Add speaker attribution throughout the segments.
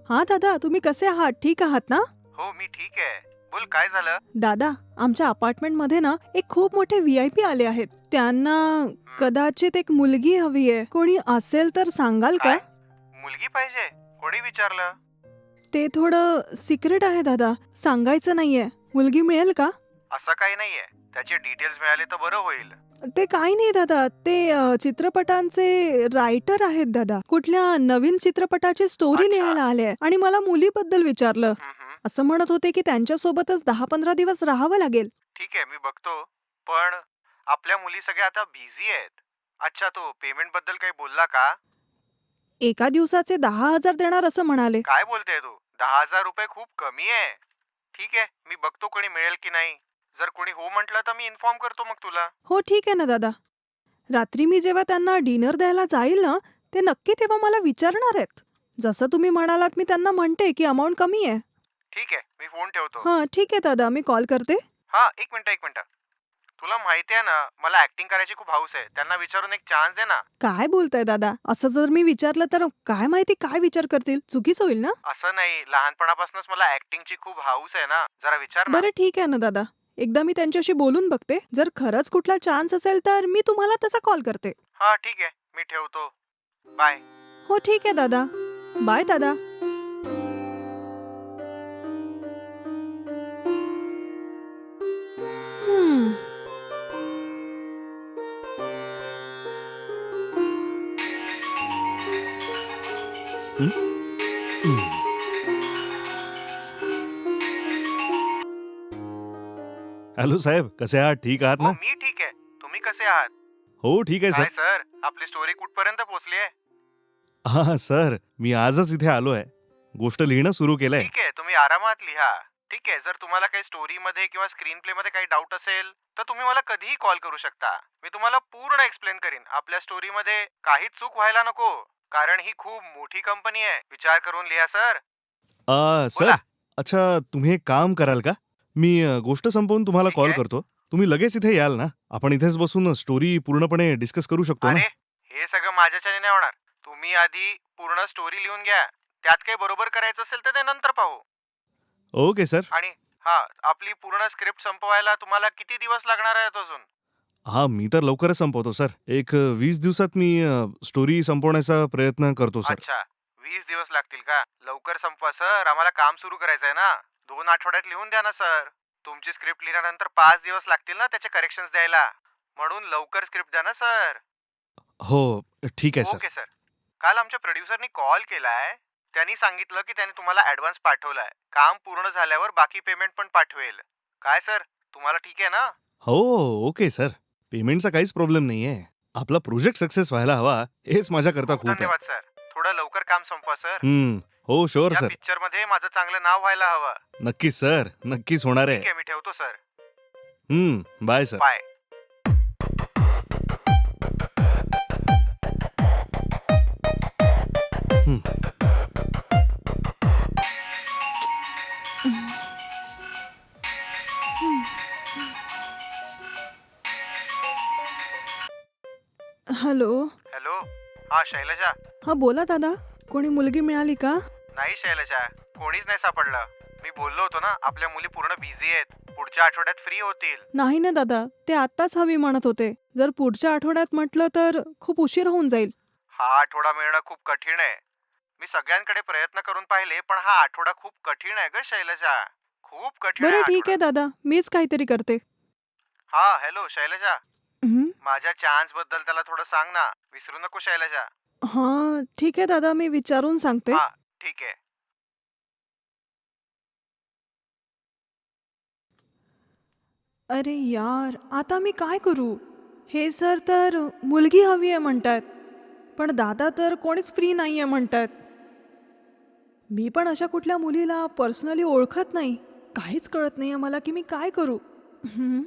Speaker 1: हा दादा, तुम्ही कसे आहात? ठीक आहात ना?
Speaker 2: हो, मी ठीक आहे. बोल, काय झालं?
Speaker 1: दादा, आमच्या अपार्टमेंट मध्ये ना एक खूप मोठे VIP आले आहेत. त्यांना कदाचित एक मुलगी हवी आहे. कोणी असेल तर सांगाल का?
Speaker 2: काय? मुलगी पाहिजे? कोणी विचारलं?
Speaker 1: ते थोडं सिक्रेट आहे दादा, सांगायचं नाहीये. मुलगी मिळेल का?
Speaker 2: असं काही नाहीये. त्याचे डिटेल्स मिळाले तर बरं होईल.
Speaker 1: ते काही नाही दादा, ते चित्रपटांचे रायटर आहेत दादा. कुठल्या नवीन चित्रपटाची स्टोरी
Speaker 2: अच्छा.
Speaker 1: लिहायला आले आणि मला मुलीबद्दल विचारलं.
Speaker 2: हम्म.
Speaker 1: असं म्हणत होते की त्यांच्यासोबतच 10-15 दिवस राहावं लागेल.
Speaker 2: ठीक आहे, मी बघतो. पण आपल्या मुली सगळ्या आता बिझी आहेत. अच्छा, तो पेमेंट बद्दल काही बोलला का?
Speaker 1: एका दिवसाचे 10,000 देणार असं म्हणाले.
Speaker 2: काय बोलतेय तू? 10,000 रुपये खूप कमी आहे. ठीक आहे, मी बघतो कोणी मिळेल की नाही. जर कोणी हो म्हटलं तर मी इन्फॉर्म करतो मग तुला.
Speaker 1: हो ठीक आहे ना दादा. रात्री मी जेव्हा त्यांना डिनर द्यायला जाईल ना, ते नक्की तेव्हा मला विचारणार आहेत. जसं तुम्ही म्हणालात मी त्यांना म्हणते की अमाऊंट कमी आहे.
Speaker 2: ठीक आहे, मी फोन ठेवतो.
Speaker 1: हां ठीक आहे दादा, मी कॉल करते.
Speaker 2: हा, एक मिनिट. तुला माहिती आहे ना, मला ऍक्टिंग करायची खूप हौस आहे. त्यांना विचारून एक चान्स दे ना.
Speaker 1: काय बोलताय दादा? असं जर मी विचारलं तर काय माहिती काय विचार करतील? चुकीचं होईल ना?
Speaker 2: असं नाही, लहानपणापासूनच मला ऍक्टिंगची खूप हौस आहे ना. जरा विचार ना.
Speaker 1: बरं ठीक आहे ना दादा. एकदा मी त्यांच्याशी बोलून बघते. जर खरंच कुठला चान्स असेल तर मी तुम्हाला तसा कॉल करते.
Speaker 2: हा, ठीक आहे, मी ठेवतो. बाय.
Speaker 1: हो ठीक आहे दादा. बाय दादा. हम्म.
Speaker 3: हं? हं. हॅलो साहेब, कसे आहात? ठीक आहात
Speaker 2: हो,
Speaker 3: ना?
Speaker 2: मी ठीक आहे. तुम्ही कसे आहात?
Speaker 3: हो, ठीक आहे
Speaker 2: काय
Speaker 3: सर.
Speaker 2: सर, आपली स्टोरी कुठपर्यंत पोहोचली आहे?
Speaker 3: हां, सर, मी आजच इथे आलोय. गोष्ट लिहिणं सुरू केलंय.
Speaker 2: ठीक आहे, तुम्ही आरामात लिहा. ठीक आहे, जर तुम्हाला काही स्टोरीमध्ये किंवा स्क्रीन प्ले मध्ये काही डाऊट असेल तर तुम्ही मला कधीही कॉल करू शकता. मी तुम्हाला पूर्ण एक्सप्लेन करीन. आपल्या स्टोरीमध्ये काहीच चूक व्हायला नको, कारण ही खूप मोठी कंपनी आहे. विचार करून लिहा सर.
Speaker 3: सर,
Speaker 2: बोला.
Speaker 3: अच्छा तुम्ही एक काम कराल का? मी गोष्ट संपवून तुम्हाला
Speaker 2: ठीक
Speaker 3: कॉल
Speaker 2: आहे.
Speaker 3: करतो. तुम्ही लगेच इथे याल ना? आपण इथेच बसून स्टोरी पूर्णपणे डिस्कस करू शकतो ना?
Speaker 2: अरे, हे सगळं माझ्याच्याने नाही होणार. तुम्ही आधी पूर्ण स्टोरी लिहून घ्या. त्यात काही बरोबर करायचं असेल तर ते नंतर पाहू.
Speaker 3: Okay sir.
Speaker 2: आणि हा, आपली पूर्ण स्क्रिप्ट संपवायला तुम्हाला किती दिवस लागणार आहेत अजून?
Speaker 3: हां, मी तर लवकरच संपवतो सर. एक 20 दिवसात मी स्टोरी संपवण्याचा प्रयत्न करतो सर.
Speaker 2: अच्छा, 20 दिवस लागतील का? लवकर संपवा सर, आम्हाला काम सुरू करायचं आहे ना. 2 आठवड्यात लिहून द्या ना सर. तुमची स्क्रिप्ट लिहिल्यानंतर 5 दिवस लागतील ना त्याचे करेक्शन्स द्यायला. म्हणून लवकर स्क्रिप्ट द्या ना सर.
Speaker 3: हो, ठीक आहे सर.
Speaker 2: Okay sir. काल आमच्या प्रोड्युसरनी कॉल केलाय. त्यांनी सांगितलं की त्याने तुम्हाला ऍडव्हान्स पाठवलाय. काम पूर्ण झाल्यावर बाकी पेमेंट पण पाठवेल. काय सर, तुम्हाला ठीक आहे ना?
Speaker 3: हो, ओके सर. पेमेंटचा काहीच प्रॉब्लेम नाहीये. आपला प्रोजेक्ट सक्सेस व्हायला हवा, हेच माझ्याकरता खूप आहे.
Speaker 2: धन्यवाद सर. थोडं लवकर काम संपवा सर.
Speaker 3: हं. हो, शुअर
Speaker 2: या
Speaker 3: सर.
Speaker 2: पिक्चर मध्ये माझं चांगलं नाव व्हायला हवं.
Speaker 3: नक्कीच सर, नक्कीच होणार आहे.
Speaker 2: ठीक आहे, मी ठेवतो सर.
Speaker 3: Bye sir.
Speaker 2: बाय.
Speaker 3: हं.
Speaker 1: हॅलो.
Speaker 2: हॅलो. हा, शैलजा.
Speaker 1: हा बोला दादा. कोणी मुलगी मिळाली का?
Speaker 2: नाही शैलजा, कोणीच नाही सापडलं. मी बोललो होतो ना, आपल्या मुली पूर्ण बिझी आहेत. पुढच्या आठवड्यात फ्री होतील.
Speaker 1: नाही ना दादा, ते आत्ताच हवी म्हणत होते. जर पुढच्या आठवड्यात म्हटलं तर खूप उशीर होऊन जाईल.
Speaker 2: हा आठवडा मिळणं खूप कठीण आहे. मी सगळ्यांकडे प्रयत्न करून पाहिले, पण हा आठवडा खूप कठीण आहे ग शैलजा. खूप कठीण आहे
Speaker 1: बरं
Speaker 2: हा
Speaker 1: ठीक आहे
Speaker 2: आठवडा.
Speaker 1: दादा, मीच काहीतरी करते.
Speaker 2: हा, हॅलो शैलजा.
Speaker 1: हं.
Speaker 2: माझ्या चान्स बद्दल त्याला थोडं सांग ना. विसरू नको शैलजा.
Speaker 1: हां ठीक आहे दादा, मी विचारून सांगते.
Speaker 2: हा, ठीक आहे.
Speaker 1: अरे यार, आता मी काय करू? हे सर तर मुलगी हवी आहे म्हणतायत, पण दादा तर कोणीच फ्री नाहीये म्हणतायत. मी पण अशा कुठल्या मुलीला पर्सनली ओळखत नाही. काहीच कळत नाहीये मला की मी काय करू. हं?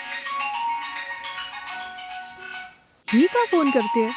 Speaker 1: ही का फोन करते?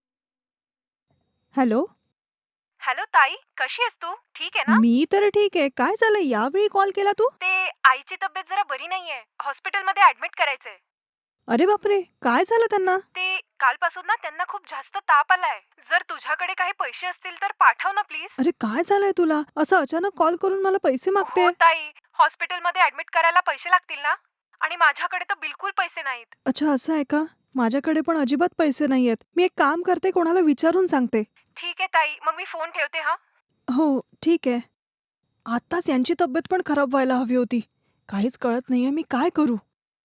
Speaker 1: हॅलो.
Speaker 4: हॅलो ताई, कशी आहेस तू? ठीक आहे ना?
Speaker 1: मी तर ठीक आहे. काय झालं यावेळी कॉल केला तू?
Speaker 4: ते आईची तब्येत जरा बरी नाहीये. हॉस्पिटलमध्ये ऍडमिट करायचंय.
Speaker 1: अरे बापरे, काय झालं त्यांना?
Speaker 4: ते कालपासून ना त्यांना खूप जास्त ताप आलाय. जर तुझ्याकडे काही पैसे असतील तर पाठव ना प्लीज.
Speaker 1: अरे काय झालंय तुला? असं अचानक कॉल करून मला पैसे मागते?
Speaker 4: हो ताई, हॉस्पिटलमध्ये ऍडमिट करायला पैसे लागतील ना? आणि माझ्याकडे तर बिलकुल पैसे नाहीत.
Speaker 1: अच्छा, असं आहे का? माझ्याकडे पण अजिबात पैसे नाहीयेत. मी एक काम करते, कोणाला विचारून सांगते.
Speaker 4: ठीक आहे ताई, मग मी फोन ठेवते हा.
Speaker 1: हो, ठीक आहे. आत्ताच यांची तब्येत पण खराब व्हायला हवी होती. काहीच कळत नाहीये मी काय करू?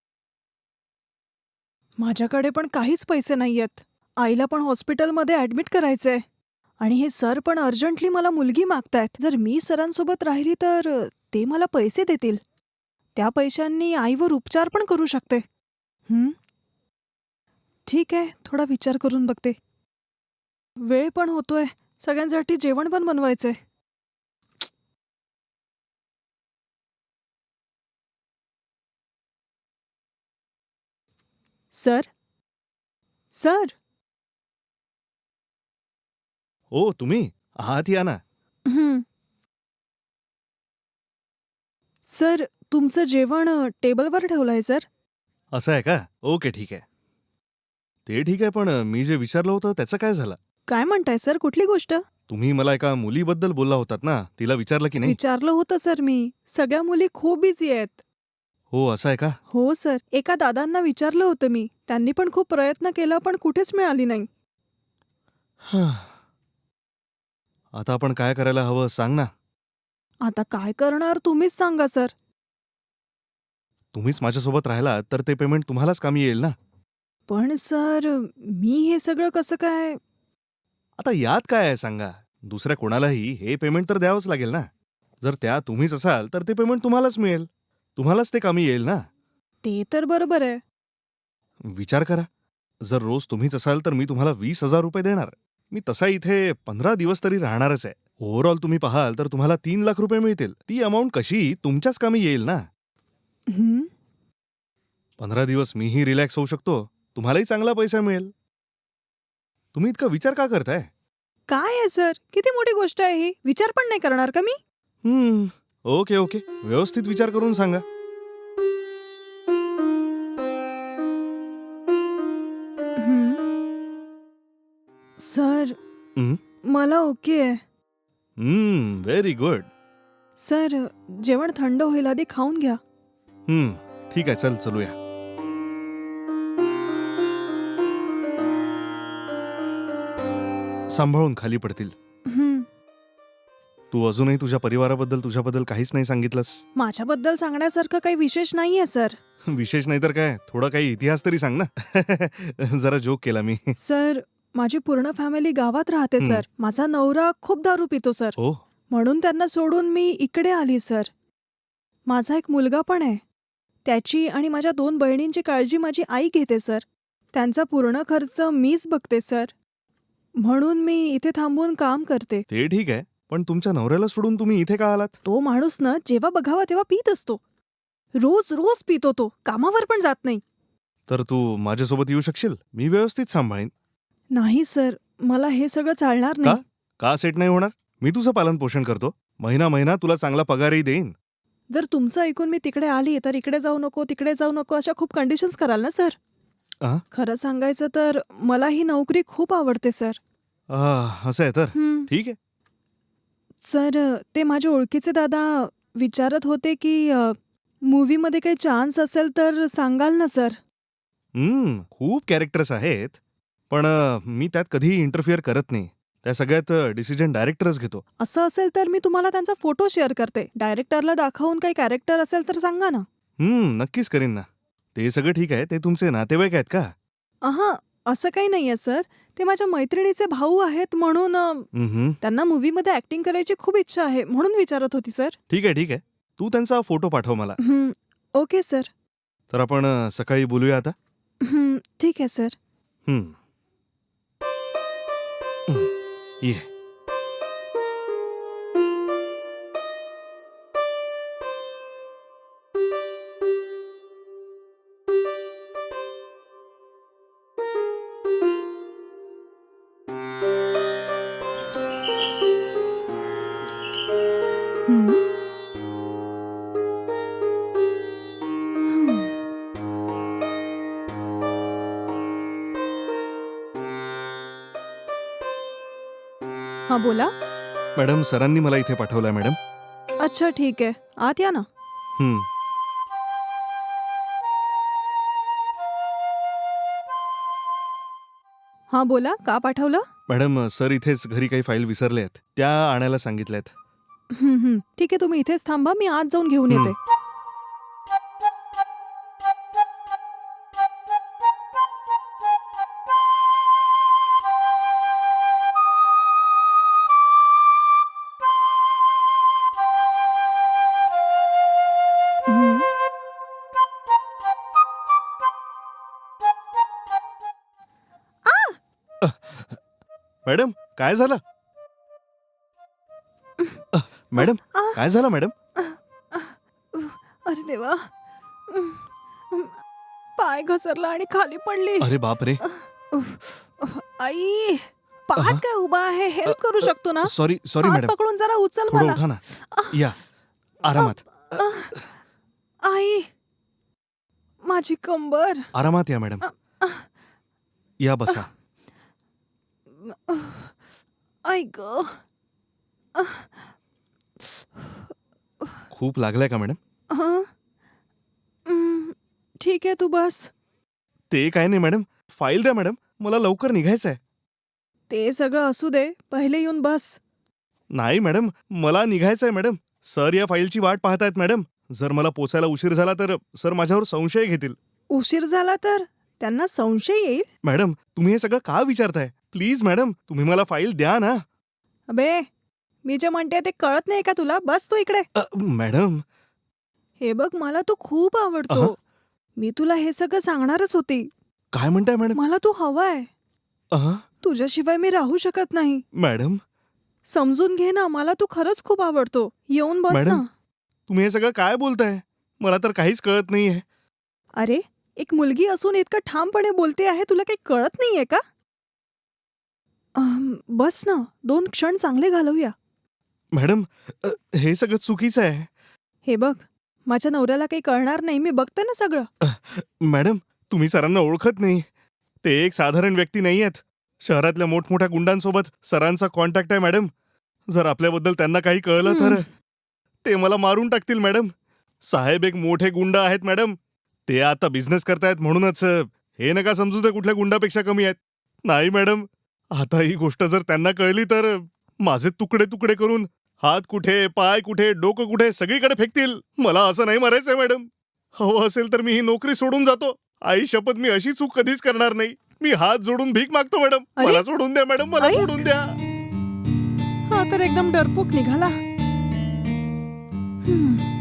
Speaker 1: माझ्याकडे पण काहीच पैसे नाहीयेत. आईला पण हॉस्पिटलमध्ये ॲडमिट करायचंय. आणि हे सर पण अर्जंटली मला मुलगी मागतायत. जर मी सरांसोबत राहिली तर ते मला पैसे देतील. त्या पैशांनी आईवर उपचार पण करू शकते. हं? ठीक आहे, थोडा विचार करून बघते. वेळ पण होतोय. सगळ्यांसाठी जेवण पण बनवायचंय. सर? सर?
Speaker 3: ओ तुम्ही आहात या ना.
Speaker 1: हं. सर, तुमचं जेवण टेबलवर ठेवलंय सर.
Speaker 3: असं आहे का? ओके ठीक आहे. ते ठीक आहे पण मी जे विचारलं होतं त्याचं काय झालं?
Speaker 1: काय म्हणताय सर? कुठली गोष्ट?
Speaker 3: तुम्ही मला एका मुलीबद्दल बोलला होतात ना, तिला विचारलं की नाही?
Speaker 1: विचारलं होतं सर मी. सगळ्या मुली खूप बिझी आहेत.
Speaker 3: हो असं आहे का?
Speaker 1: हो सर. एका दादांना विचारलं होतं मी. त्यांनी पण खूप प्रयत्न केला पण कुठेच मिळाली नाही.
Speaker 3: आता आपण काय करायला हवं सांग ना.
Speaker 1: आता काय करणार तुम्हीच सांगा सर.
Speaker 3: तुम्हीच माझ्यासोबत राहिलात तर ते पेमेंट तुम्हालाच कामी येईल ना.
Speaker 1: पण सर, मी हे सगळं कसं काय?
Speaker 3: आता यात काय आहे सांगा. दुसऱ्या कोणालाही हे पेमेंट तर द्यावंच लागेल ना. जर त्या तुम्हीच असाल तर ते पेमेंट तुम्हालाच मिळेल. तुम्हालाच ते कामी येईल ना.
Speaker 1: ते तर बरोबर आहे.
Speaker 3: विचार करा. जर रोज तुम्हीच असाल तर मी तुम्हाला 20,000 रुपये देणार. मी तसा इथे 15 दिवस तरी राहणारच आहे. ओव्हरऑल तुम्ही पाहाल तर तुम्हाला 3 लाख रुपये मिळतील. ती अमाऊंट कशी तुमच्याच कामी येईल ना.
Speaker 1: हं?
Speaker 3: 15 दिवस मीही रिलॅक्स होऊ शकतो. तुम्हालाही चांगला पैसा मिळेल. तुम्ही इतका विचार का करताय?
Speaker 1: काय आहे सर? किती मोठी गोष्ट आहे ही. विचार पण नाही करणार का मी?
Speaker 3: Okay okay. व्यवस्थित विचार करून सांगा.
Speaker 1: हं. सर,
Speaker 3: हं.
Speaker 1: मला ओके आहे.
Speaker 3: Very good.
Speaker 1: सर, जेवण थंड होईल आधी खाऊन घ्या.
Speaker 3: ठीक आहे चल चलूया. सांभाळून खाली पडतील.
Speaker 1: हं.
Speaker 3: तू अजूनही तुझ्या तुझ्याबद्दल काहीच नाही सांगितलंस.
Speaker 1: माझ्याबद्दल सांगण्यासारखं काही विशेष नाहीये सर.
Speaker 3: विशेष नाही तर काय, थोडा काही इतिहास तरी सांग ना. जरा जोक केला मी.
Speaker 1: सर, माझी पूर्ण फॅमिली गावात राहते
Speaker 3: हं.
Speaker 1: सर. माझा नवरा खूप दारू पितो सर.
Speaker 3: हो.
Speaker 1: म्हणून त्यांना सोडून मी इकडे आली सर. माझा एक मुलगा पण आहे. त्याची आणि माझ्या 2 बहिणींची काळजी माझी आई घेते सर. त्यांचा पूर्ण खर्च मीच बघते सर. म्हणून मी इथे थांबून काम करते.
Speaker 3: ते ठीक आहे. पण तुमच्या नवऱ्याला सोडून तुम्ही इथे का आलात?
Speaker 1: तो माणूस ना जेव्हा बघावा तेव्हा पीत असतो. रोज रोज पितो तो. कामावर पण जात नाही.
Speaker 3: तर तू माझ्यासोबत येऊ शकशील? मी व्यवस्थित सांभाळीन.
Speaker 1: नाही सर, मला हे सगळं चालणार
Speaker 3: का?
Speaker 1: नाही.
Speaker 3: का सेट नाही होणार? मी तुझं पालन पोषण करतो. महिना तुला चांगला पगारही देईन.
Speaker 1: जर तुमचं ऐकून मी तिकडे आली तर इकडे जाऊ नको, तिकडे जाऊ नको अशा खूप कंडिशन्स कराल ना सर?
Speaker 3: आ?
Speaker 1: खरं सांगायचं तर मला ही नोकरी खूप आवडते सर.
Speaker 3: असं आहे तर
Speaker 1: हं.
Speaker 3: ठीक आहे.
Speaker 1: सर, ते माझे ओळखीचे दादा विचारत होते की मूव्हीमध्ये काही चान्स असेल तर सांगाल ना सर?
Speaker 3: खूप कॅरेक्टर्स आहेत. पण मी त्यात कधीही इंटरफिअर करत नाही. त्या सगळ्यात डिसिजन डायरेक्टरच घेतो.
Speaker 1: असं असेल तर मी तुम्हाला त्यांचा फोटो शेअर करते. डायरेक्टरला दाखवून काही कॅरेक्टर असेल तर सांगा ना.
Speaker 3: नक्कीच करीन ना. ते सगळं ठीक आहे. ते तुमचे नातेवाईक आहेत का?
Speaker 1: अहा, असं काही नाहीये सर. ते माझ्या मैत्रिणीचे भाऊ आहेत म्हणून त्यांना मूव्हीमध्ये ऍक्टिंग करायची खूप इच्छा आहे म्हणून विचारत होती सर.
Speaker 3: ठीक आहे. तू त्यांचा फोटो पाठव मला.
Speaker 1: Okay sir.
Speaker 3: तर आपण सकाळी बोलूया आता.
Speaker 1: ठीक आहे सर.
Speaker 3: हं. ये.
Speaker 1: हं. हं. हा बोला.
Speaker 3: मॅडम सरांनी मला इथे पाठवलंय मॅडम.
Speaker 1: अच्छा ठीक आहे, आत या ना.
Speaker 3: हं.
Speaker 1: हा बोला, का पाठवलं?
Speaker 3: मॅडम सर इथेच घरी काही फाईल विसरले आहेत, त्या आणायला सांगितल्यात.
Speaker 1: ठीक आहे, तुम्ही इथेच थांबा, मी आत जाऊन घेऊन
Speaker 3: हं.
Speaker 1: येते. हं.
Speaker 3: मॅडम काय झालं? मॅडम
Speaker 1: आ,
Speaker 3: काय झालं मॅडम?
Speaker 1: अरे देवा, पाय घसरला आणि खाली पडली.
Speaker 3: अरे बापरे.
Speaker 1: आई, पाय काय उभा आहे, हेल्प करू शकतो ना?
Speaker 3: सॉरी सॉरी
Speaker 1: हात
Speaker 3: मॅडम.
Speaker 1: पकडून जरा उचल
Speaker 3: थोडं
Speaker 1: मला.
Speaker 3: उठा ना. या आरामात.
Speaker 1: आई, माझी कंबर.
Speaker 3: आरामात या मॅडम. या बसा.
Speaker 1: आई ग.
Speaker 3: खूप लागलाय का मॅडम?
Speaker 1: हं? ठीक आहे, तू बस.
Speaker 3: ते काय नाही मॅडम, फाईल द्या मॅडम, मला लवकर निघायचं आहे.
Speaker 1: ते सगळं असू दे, पहिले येऊन बस.
Speaker 3: नाही मॅडम, मला निघायचं आहे मॅडम. सर या फाईलची वाट पाहतायत मॅडम. जर मला पोचायला उशीर झाला तर सर माझ्यावर संशय घेतील.
Speaker 1: उशीर झाला तर त्यांना संशय येईल.
Speaker 3: मॅडम तुम्ही हे सगळं का विचारताय? प्लीज मॅडम, तुम्ही मला फाईल द्या ना.
Speaker 1: अबे, मी जे म्हणते ते कळत नाही का तुला? बस तू इकडे.
Speaker 3: मॅडम.
Speaker 1: हे बघ, मला तू खूप आवडतो.
Speaker 3: अहं.
Speaker 1: मी तुला हे सगळं सांगणारच होती.
Speaker 3: काय म्हणताय मॅडम?
Speaker 1: मला तू हवाय.
Speaker 3: अहं.
Speaker 1: तुझ्याशिवाय मी राहू शकत नाही.
Speaker 3: मॅडम
Speaker 1: समजून घे ना, मला तू खरंच खूप आवडतो. येऊन बस
Speaker 3: मॅडम.
Speaker 1: ना.
Speaker 3: तुम्ही हे सगळं काय बोलताय? मला तर काहीच कळत नाहीये.
Speaker 1: अरे, एक मुलगी असून इतकं ठामपणे बोलते आहे, तुला काही कळत नाहीये का? बस ना, 2 क्षण चांगले घालवूया.
Speaker 3: मॅडम हे सगळं चुकीचं आहे.
Speaker 1: हे बघ, माझ्या नवऱ्याला काही कळणार नाही, मी बघते ना सगळं.
Speaker 3: मॅडम तुम्ही सरांना ओळखत नाही. ते एक साधारण व्यक्ती नाही आहेत. शहरातल्या मोठमोठ्या गुंडांसोबत सरांचा कॉन्टॅक्ट आहे मॅडम. जर आपल्याबद्दल त्यांना काही कळलं तर ते मला मारून टाकतील मॅडम. साहेब एक मोठे गुंड आहेत मॅडम. ते आता बिझनेस करतायत म्हणूनच हे नका समजू ते कुठल्या गुंडापेक्षा कमी आहेत. नाही मॅडम, आता ही गोष्ट जर त्यांना कळली तर माझे तुकडे तुकडे करून हात कुठे, पाय कुठे, डोकं कुठे सगळीकडे फेकतील. मला असं नाही मारायचंय मॅडम. हवं असेल तर मी ही नोकरी सोडून जातो. आई शपथ, मी अशी चूक कधीच करणार नाही. मी हात जोडून भीक मागतो मॅडम.
Speaker 1: अरे?
Speaker 3: मला सोडून द्या मॅडम, मला
Speaker 1: आई?
Speaker 3: सोडून द्या.
Speaker 1: हा तर एकदम डरपोक निघाला.